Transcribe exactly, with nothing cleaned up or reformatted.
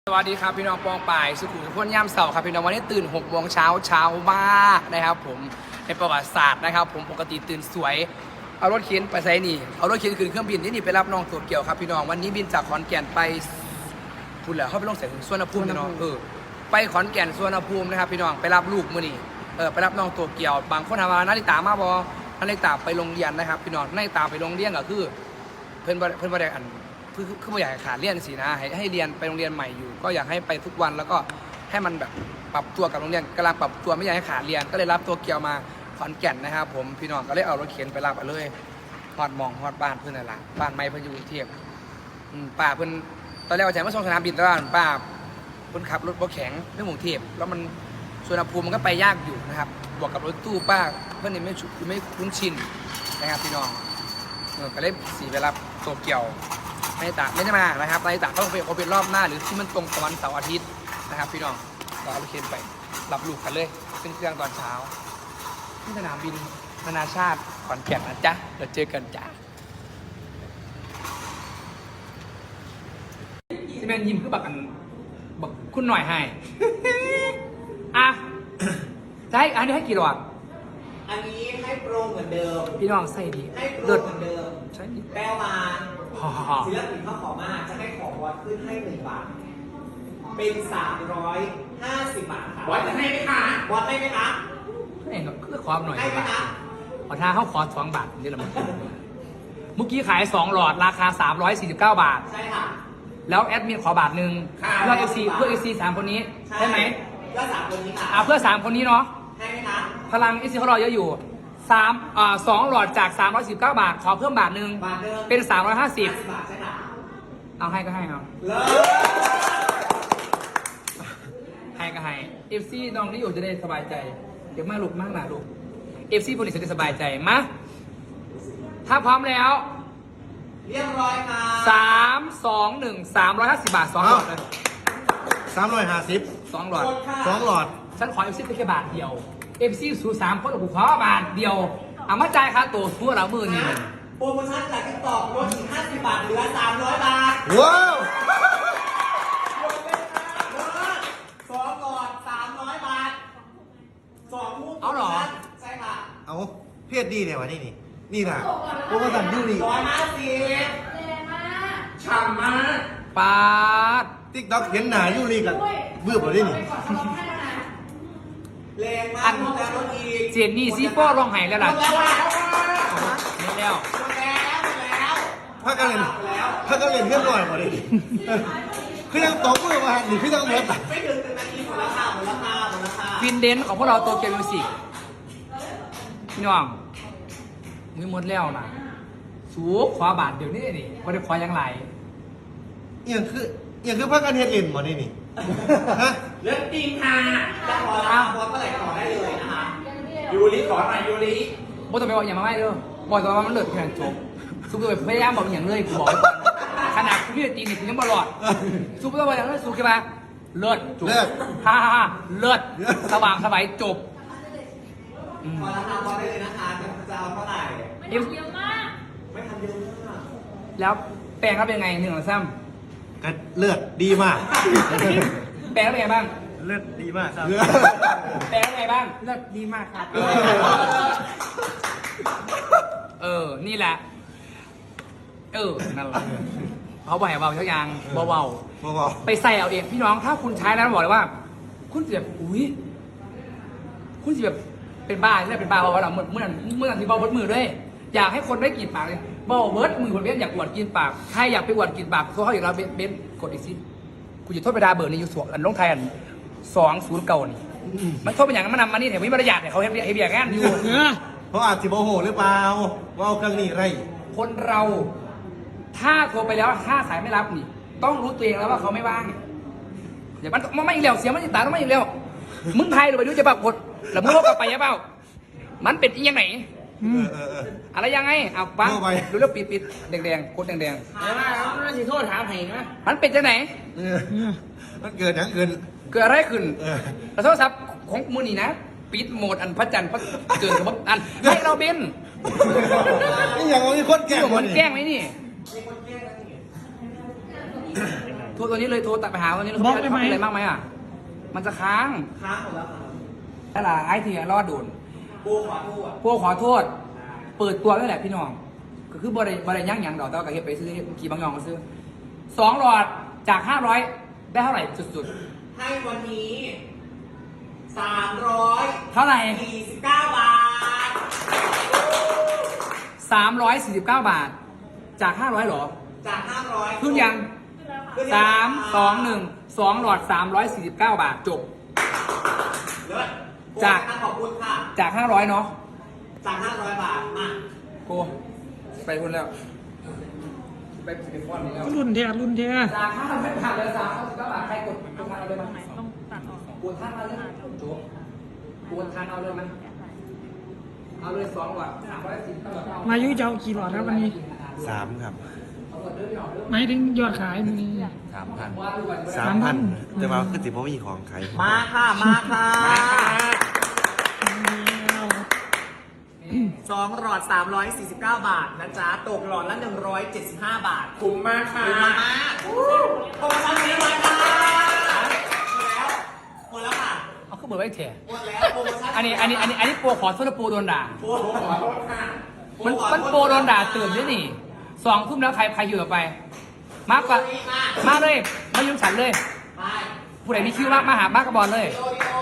สวัสดีครับพี่น้องปองป่ายสุขุมทุกคนย่ำเสาร์ครับพี่น้องวันนี้ตื่นหกโมงเช้าเช้ามากนะครับผมในประวัติศาสตร์นะครับผมปกติตื่นสวยเอารถเข็นไปไซนี่เอารถเข็นขึ้นเครื่องบินที่นี่ไปรับน้องตัวเกี่ยวครับพี่น้องวันนี้บินจากขอนแก่นไปพูดแล้วเขาไปลงเสร็จสวนภูมิพี่น้องเออไปขอนแก่นสวนภูมินะครับพี่น้องไปรับลูกมื้อนี้เออไปรับน้องตัวเกี่ยวบางคนถามว่านาฬิตามาบอนาฬิตาไปโรงเรียนนะครับพี่น้องนาฬิตาไปโรงเรียนก็คือเพื่อนเพื่อนบริการคือคือไม่อยากขาดเรียนสินะให้ให้เรียนไปโรงเรียนใหม่อยู่ก็อยากให้ไปทุกวันแล้วก็ให้มันแบบปรับตัวกับโรงเรียนกำลังปรับตัวไม่อยากให้ขาดเรียนก็เลยรับตัวเกียวมาขอนแก่นนะครับผมพี่น้องก็เลยเอารถเข็นไปรับไปเลยฮอดมองฮอดบ้านเพื่อนอะไรบ้านไม่เพื่อนอยู่กรุงเทพป้าเพื่อนตอนแรกว่าจะมาส่งสนามบินตลาดป้าเพื่อนขับรถรถแข็งเรื่องกรุงเทพแล้วมันสุวรรณภูมิมันก็ไปยากอยู่นะครับบวกกับรถตู้ป้าเพื่อนนี่ไม่ไม่คุ้นชินนะครับพี่น้องก็เลยสีไปรับตัวเกียวไม่ได้ตาไม่ได้มานะครับไม่ได้ตาต้องเป็นเขาเป็นรอบหน้าหรือที่มันตรงกับวันเสาร์อาทิตย์นะครับพี่น้องก็เอารถเข็นไปรับลูกกันเลยขึ้นเครื่องตอนเช้าที่สนามบินนานาชาติขอนแก่นนะจ๊ะเดี๋ยวเจอกันจ้าที่แม่ยิ้มคือบักอันบักคุณหน่อยให้ อ่ะจะให้อันนี้ให้กี่หลอดอันนี้ให้โปรเหมือนเดิมพี่น้องใส่ดีให้โปรเหมือนเดิมใช่แปลว่าศิลปินเขาขอมาจะให้ของวัดขึ้นให้หนึ่งบาทเป็นสามร้อยห้าสิบบาทค่ะวัดจะให้ไหมคะวัดให้ไหมคะให้ก็คือขอหน่อยให้ไหมคะขอทางเขาขอสองบาทนี่แหละมันเมื่อกี้ขายสองหลอดราคาสามร้อยสี่สิบเก้าบาทใช่ค่ะแล้วแอดมินขอบาทหนึ่งเพื่อเอฟซีเพื่อเอฟซีสามคนนี้ใช่ไหมเพื่อสามคนนี้ค่ะอ่าเพื่อสามคนนี้เนาะให้ไหมคะพลังเอฟซีเขารอเยอะอยู่สามอ่าสองหลอดจากสามร้อยสิบเก้าบาทขอเพิ่มบาทหนึ่งเป็นสามร้อยห้าสิบบาทใช่ค่ะเอาให้ก็ให้เอาให้ก็ให้เอฟซีน้องนี่อยู่จะได้สบายใจเดี๋ยวมาลูกมากหนาลูกเอฟซีคนนี้จะได้สบายใจมาถ้าพร้อมแล้วเรียบร้อยค่ะสามสองหนึ่งสามร้อยห้าสิบบาทสองหลอดเลยสามร้อยห้าสิบสองหลอดสองหลอดฉันขอเอฟซีแค่บาทเดียวเอฟซีสูสามคนกูขอบาทเดียวเอามาจ่ายค่าตัวทั่วเรามือนี่โปรโมชั่นจากติ๊กต็อกลดอีกห้าสิบบาทเหลือสามร้อยบาทว้าวสองหลอดสามร้อยบาทสองลูกเอาหรอใช่ค่ะเอาเพียดดีเนี่ยวะนี่นี่นี่นะโปรโมชั่นดูดีร้อยห้าสิบแรงมากฉ่ำมากปาดติ๊กต็อกเห็นหนาอยู่นี่กันเบื่อหมดเลยนี่แรงมากแล้วรถอีกเจนนี่ซีโฟร้องไห้แล้วล่ะนี่แล้วแล้วถ้ากันเล่นถ้ากันเล่นเพื่อนหน่อยหมดเลยคือยังตบมือมาหรือคือยังเบิร์ดไม่ถึงหนึ่งนาทีหมดแล้วค่ะหมดแล้วค่ะหมดแล้วค่ะฟินเดนของพวกเราโตเกียวมิวสิกพี่น้องมือหมดแล้วนะสูบขวาบาทเดี๋ยวนี้นี่ก็ได้ขอยังไรอย่างคืออย่างคือพักกันเฮ็ดเล่นหมดนี่นี่ฮะเรื่องจริงค่ะจะขอรับขอเมื่อไหร่ขอได้เลยนะคะยูริขอหน่อยยูริบอกต้องไปบอกอย่างมาไม่เด้อบอกตัวว่ามันเลิศแข่งจบซุปเลยพยายามบอกอย่างเลยกูบอกไว้ก่อนขนาดกูพี่ตีนี่กูยังบอลอดซุปตัวบอกอย่างเลยซุปกี่มาเลิศจบฮ่าฮ่าเลิศสว่างสบายจบขอราคาพอได้เลยนะคะจะเอาเท่าไหร่ไม่ทำเยอะมากไม่ทำเยอะมากแล้วแปลงรับยังไงหนึ่งหรือซ้ำกันเลือดดีมากแปลงรับยังไงบ้างเลือดดีมากครับแปลงรับยังไงบ้างเลือดดีมากครับเออนี่แหละเออนั่นแหละเขาบอกให้เบาเท่ายังเบาเบาไปใส่เอาเองพี่น้องถ้าคุณใช้แล้วบอกเลยว่าคุณจะแบบอุ้ยคุณจะแบบเป็นบ้าใช่ไหมเป็นบ้าเพราะว่าเราเมื่อเมื่อเมื่อที่เบาเบิร์ดมือด้วยอยากให้คนได้กลิ่นปากเลยเบาเบิร์ดมือคนเบี้ยอยากอวดกินปากใครอยากไปอวดกินปากเขาเขาอยากเราเบนกดอีกสิกูจะโทษไปดาเบอร์นี่อยู่สวนอันลงไทยอันสองศูนย์เก่านี่มันโทษเป็นอย่างนั้นมันนำมานี่แถวนี้บริยาเนี่ยเขาเฮฟเฮฟอย่างนั้นอยู่เพราะอาจจะโมโหหรือเปล่าว่าเอาเครื่องนี้ไรคนเราถ้าโทรไปแล้วถ้าสายไม่รับนี่ต้องรู้ตัวเองแล้วว่าเขาไม่ว่างอย่ามันมันไม่อีกแล้วเสียมันจะตายต้องไม่อีกแล้วมึงไทยหรือไปดูจะแบบกดแล้วมึงโลกกลับไปยังเปล่ามันเป็นยังไงอะไรยังไงเอาปังดูแล้วปิดปิดแดงแดงกดแดงแดงเดี๋ยวมาเราจะโทษถามให้นะมันเป็นยังไงมันเกิดยังเกินเกิดอะไรขึ้นโทรศัพท์ของมือนี่นะปิดโหมดอันพระจันทร์พระเกิดกับอันให้เราเบนนี่อย่างมีคนแกล้งมันแกล้งไหมนี่มีคนแกล้งนี่โทรตัวนี้เลยโทรตัดไปหาตัวนี้เลยบล็อกได้ไหมอะไรมากไหมอ่ะมันจะค้างค้างหมดแล้วครับนั่นแหละไอ้ที่รอดโดนปูขอโทษพวกขอโทษ เปิดตัวนั่นแหละพี่น้องก็คือบริบริย่างหยังดอกแต่ว่าก็เห็นไปซื้อกี่บางยองก็ซื้อสองหลอดจากห้าร้อยได้เท่าไหร่สุดให้วันนี้สามร้อยๆ เท่าไหร่สี่สิบเก้าบาทสามร้อยสี่สิบเก้าบาท จากห้าร้อยหรอจากห้าร้อยขึ้นยังสามสองหนึ่งสองหลอดสามร้อยสี่สิบเก้าบาทจบเลิศจากขอบคุณค่ะจากห้าร้อยเนาะจากห้าร้อยบาทมาโกไปคุณแล้ว ไปไปฟอนนี่แล้วรุ่นเทียรุ่นเทียจากห้าร้อยบาทเหลือสามร้อยสิบเก้าบาทใครกดกดทานเอาเลยมั้ยต้องตัดออกกดทานเอาเลยจบกดทานเอาเลยมั้ยเอาเลยสองหลอดสามร้อยสี่สิบเก้าบาทมายุจะเอากี่หลอดครับวันนี้สามครับไม่ถึงยอดขายมันนี้สามพันสาสาม มพัพันนแต่ว่าคือติพ่อมีของขายมาค่ะ มาค่ะสองหลอดสามร้อยสี่สิบเก้าบาทนะจ๊ะ ตกหลอดละหนึ่งร้อยเจ็ดสิบห้าบาทคุ้มมากค่ะคุ้มมากโปรโมชั่นนี้เลยค่ะหมดแล้วหมดแล้วค่ะเอาขึ้นเบอร์ไว้เถอะหมดแล้วโปรโมชั่นอันนี้อันนี้อันนี้อันนี้โปรขอโทษนะโปรโดนด่าโปรขอโทษค่ะมันมันโปรโดนด่าตื่นด้วยนี่สองทุ่มแล้วใครใครอยู่ต่อไป มากกว่ามาเลยมายุ่งฉันเลยไปผู้ใดมีคิวมากมาหามากกระบอลเลยโอริโอ